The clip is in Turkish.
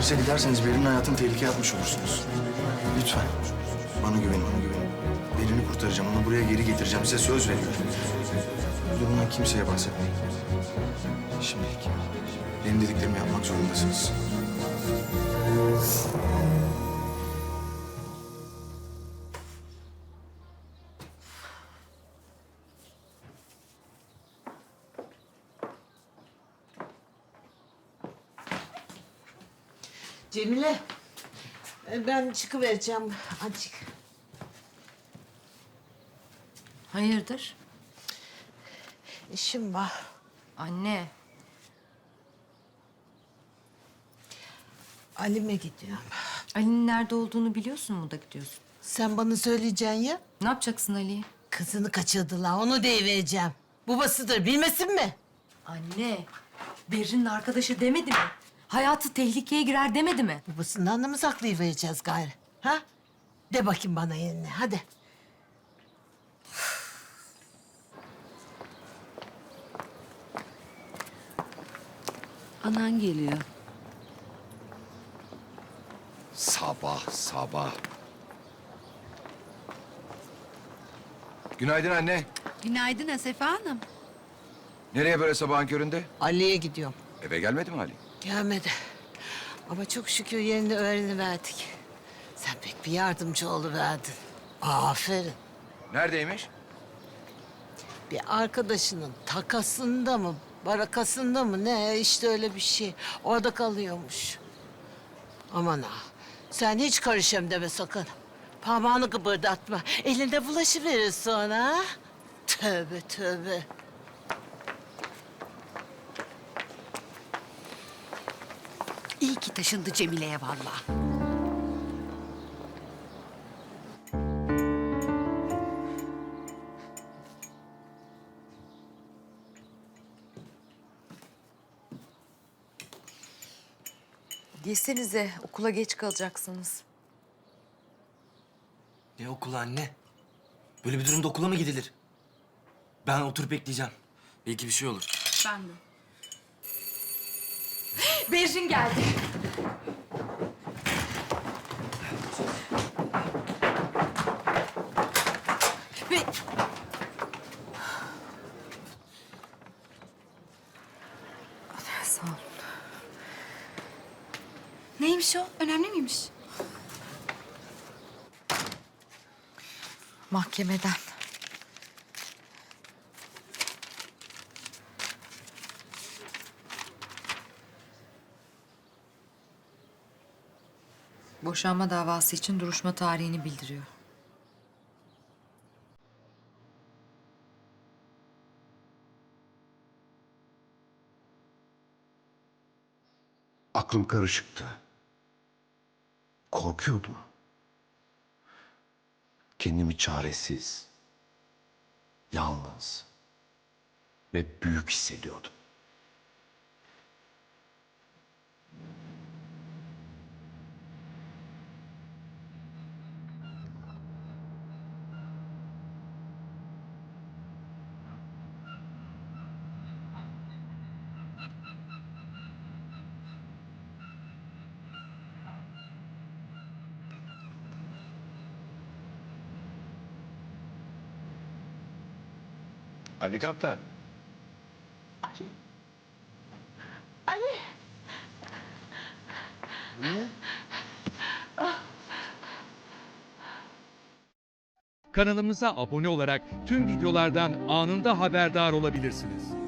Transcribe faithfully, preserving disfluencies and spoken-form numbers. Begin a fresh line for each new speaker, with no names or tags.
polise giderseniz Berin'in hayatını tehlikeye atmış olursunuz. Lütfen. Bana güvenin, bana güvenin. Berin'i kurtaracağım, onu buraya geri getireceğim. Size söz veriyorum. Bu durumdan kimseye bahsetmeyin. Şimdilik benim dediklerimi yapmak zorundasınız.
Cemile, e, ben çıkıvereceğim azıcık.
Hayırdır?
İşim var.
Anne.
Ali'me gidiyorum.
Ali'nin nerede olduğunu biliyorsun mu da gidiyorsun?
Sen bana söyleyeceksin ya.
Ne yapacaksın Ali'yi?
Kızını kaçırdılar, onu deyivereceğim. Babasıdır, bilmesin mi?
Anne. Berrin'in arkadaşı demedi mi? Hayatı tehlikeye girer demedi mi?
Babasından da mı saklayıvereceğiz gayrı? Ha? De bakayım bana yerine, hadi.
Anan geliyor.
Sabah sabah. Günaydın anne.
Günaydın Asefe Hanım.
Nereye böyle sabahın köründe?
Ali'ye gidiyorum.
Eve gelmedi mi Ali?
Gelmedi. Ama çok şükür yerini öğreniverdik. Sen pek bir yardımcı oluverdin. Aferin.
Neredeymiş?
Bir arkadaşının takasında mı, barakasında mı ne işte öyle bir şey. Orada kalıyormuş. Aman ha, sen hiç karışayım deme sakın. Parmağını kıpırdatma. Elinde bulaşıverir sonra. Ha? Tövbe tövbe.
İyi ki taşındı Cemile'ye vallahi.
Yesenize, okula geç kalacaksınız.
Ne okulu anne? Böyle bir durumda okula mı gidilir? Ben oturup bekleyeceğim. Belki bir şey olur.
Ben de.
Berrin geldi. Ve... Sağ ol.
Neymiş o? Önemli miymiş?
Mahkemeden. Boşanma davası için duruşma tarihini bildiriyor.
Aklım karışıktı. Korkuyordum. Kendimi çaresiz, yalnız ve büyük hissediyordum. Ali Kaptan.
Kanalımıza abone olarak tüm videolardan anında haberdar olabilirsiniz.